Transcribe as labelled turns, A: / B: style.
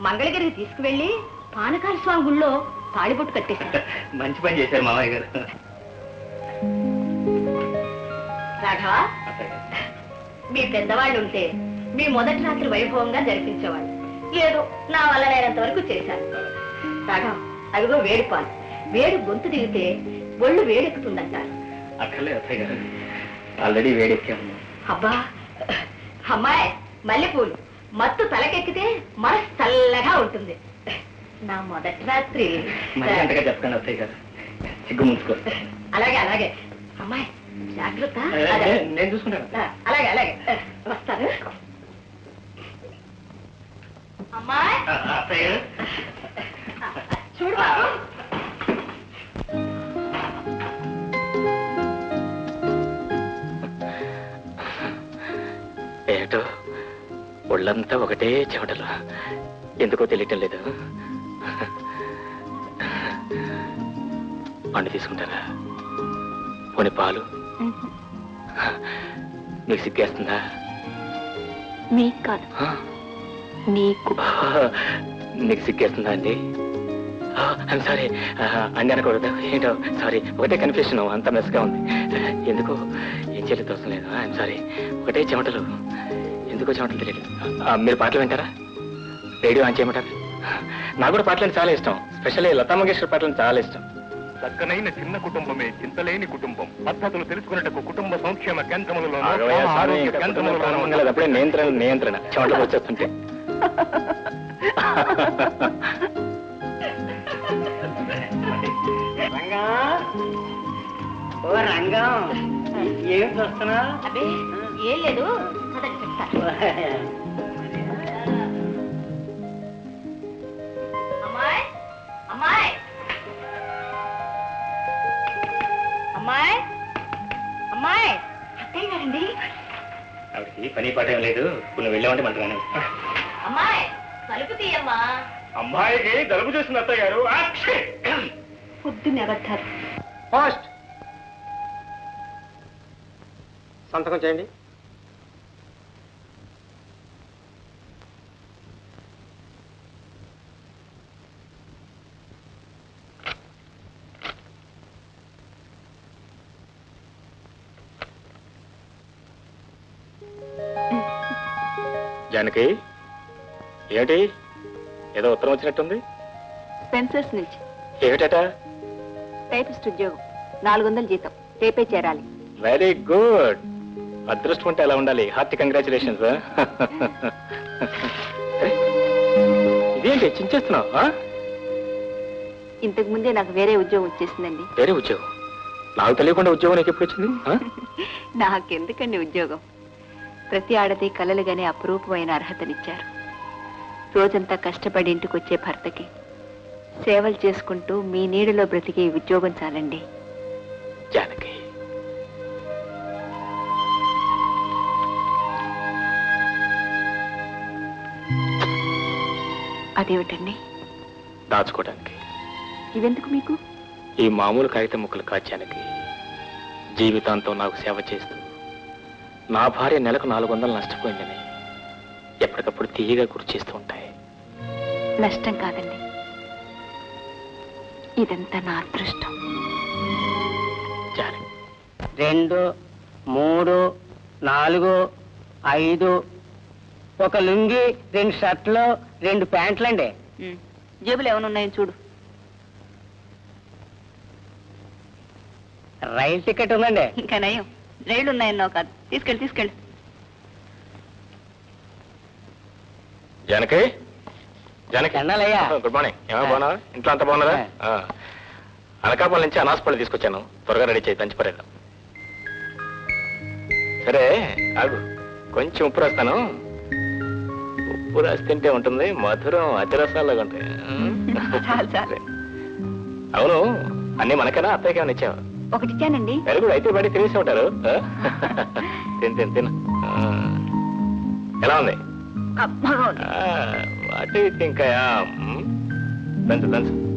A: మంగళగిరికి తీసుకువెళ్ళి పానకాల స్వామి గుళ్ళో తాళిబొట్టు కట్టేశారు.
B: మంచి పని చేశారు మామయ్య గారు.
A: రాఘవ, మీ పెద్దవాళ్ళు ఉంటే మీ మొదటి రాత్రి వైభవంగా జరిపించేవాళ్ళు. ఏదో నా వల్ల నేనంత వరకు చేశాను. రాఘవ, అదిగో వేడి పాలు. వేడి గొంతు దిగితే ఒళ్ళు వేడెక్కుతుందంటారు.
B: అక్కర్లేదు అత్తయ్య గారు, ఆల్రెడీ వేడెక్కాము.
A: అబ్బా అమ్మాయి, మల్లెపూలు మత్తు తలకెక్కితే మనసు చల్లగా ఉంటుంది. నా మొదటి రాత్రి
B: మరి అంతగా చెప్పండి అత్తయ్య గారు, సిగ్గు ముంచుకో.
A: అలాగే అలాగే అమ్మాయి, జాగ్రత్త.
B: నేను చూసుకుంటాను.
A: అలాగే అలాగే వస్తాను. అమ్మాయి
B: అత్తయ్య గారు,
A: చూడు బాబు.
B: ఏటో ఒళ్ళంతా ఒకటే చెమటలు, ఎందుకో తెలియటం లేదు. పండు తీసుకుంటారా? పోనీ పాలు? నీకు సిగ్గేస్తుందా?
A: మీకు కాదు, నీకు.
B: నీకు సిగ్గేస్తుందా అండి? సారీ అండి అనకూడదు. ఏంటో సారీ, ఒకటే కన్ఫ్యూషన్, అంత మెస్గా ఉంది. ఎందుకో ఏం చేయలేదు, తోసం లేదు. ఐఎమ్ సారీ, ఒకటే చెమటలు, ఎందుకో చెమటలు తెలియదు. మీరు పాటలు వింటారా? రేడియో ఆన్ చేయమంటారా? నాకు కూడా పాటలు చాలా ఇష్టం, స్పెషల్లీ లతా మంగేష్కర్ పాటలు చాలా ఇష్టం.
C: చక్కనైన చిన్న కుటుంబమే చింతలేని కుటుంబం. పద్ధతులు తెలుసుకున్నట్టు కుటుంబ సంక్షేమ కేంద్రములలో
B: అప్పుడే నియంత్రణ చెమటలు వచ్చేస్తుంటే.
D: ఓ రంగం, ఏం చూస్తున్నా?
A: అదే ఏం లేదు, చెప్తా. అమ్మాయి అమ్మాయి అమ్మాయి అమ్మాయి, అత్తయ్య గారండి.
B: ఆవిడకి పని పాట ఏం లేదు, ఇప్పుడు నువ్వు వెళ్ళామంటే మంటగానే.
A: అమ్మాయి తలుపు తీయమ్మా.
C: అమ్మాయికి జలుబు చేసిన అత్తయ్య గారు.
A: పొద్దున్న అబద్ధాలు.
D: పోస్ట్ సంతకం చేయండి.
B: జానకి, ఏమిటి ఏదో ఉత్తరం వచ్చినట్టుంది?
E: స్పెన్సర్స్ నుంచి.
B: ఏమిటట?
E: టైపిస్ట్ ఉద్యోగం, 400 జీతం, రేపే చేరాలి.
B: Very good. అదృష్టం అంటే ఎలా ఉండాలి. Hearty congratulations. ఇదేంటి చించేస్తున్నావు?
E: ఇంతకు ముందే నాకు వేరే ఉద్యోగం వచ్చేసిందండి.
B: వేరే ఉద్యోగం? నాకు తెలియకుండా ఉద్యోగం నీకు ఎప్పుడు వచ్చింది?
E: నాకెందుకండి ఉద్యోగం? ప్రతి ఆడది కలలుగానే అపురూపమైన అర్హతనిచ్చారు. రోజంతా కష్టపడి ఇంటికి వచ్చే భర్తకి సేవలు చేసుకుంటూ మీ నీడలో బ్రతికే ఉద్యోగం చాలండి.
B: జానకి,
E: అదేమిటండి?
B: దాచుకోవడానికి.
E: ఇవెందుకు మీకు?
B: ఈ మామూలు కాగితం ముక్కలు కాచానికి జీవితాంతం నాకు సేవ చేస్తూ నా భార్య నెలకు 400 నష్టపోయిందని ఎప్పటికప్పుడు తీయగా గుర్తు చేస్తూ ఉంటాయి.
E: నష్టం కాదండి, ఇదంతా నా అదృష్టం.
D: 2, 3, 4, 5, ఒక లుంగి, 2 షర్ట్లు, 2 ప్యాంట్లండి.
E: జేబులు ఏమైనా ఉన్నాయో చూడు.
D: రైలు టికెట్ ఉందండి.
E: ఇంకా నయం, రైళ్లు ఉన్నాయన్నావు కాదు. తీసుకెళ్ళి.
B: జానకి, జానకి,
D: అన్నయ్యా.
B: Good morning. ఏమో బాగున్నా? ఇంట్లో అంతా బాగున్నారా? అనకాపల్లి నుంచి అనాసపల్లి తీసుకొచ్చాను, త్వరగా రెడీ చేయి, దంచి పడేద్దాం. సరే ఆగు, కొంచెం ఉప్పు రాస్తాను. ఉప్పు రాసి తింటే ఉంటుంది, మధురం అతిరసాలుగా ఉంటాయి.
E: చాలు.
B: అవును, అన్ని మనకేనా, అత్తయ్యకి ఏమైనా ఇచ్చావా?
E: ఒకటి ఇచ్చానండి.
B: వెరీ గుడ్, అయితే బయట తినేసి ఉంటారు. తిను. ఎలా ఉంది?
E: అబ్బా,
B: వాట్ యు థింక్? దంచు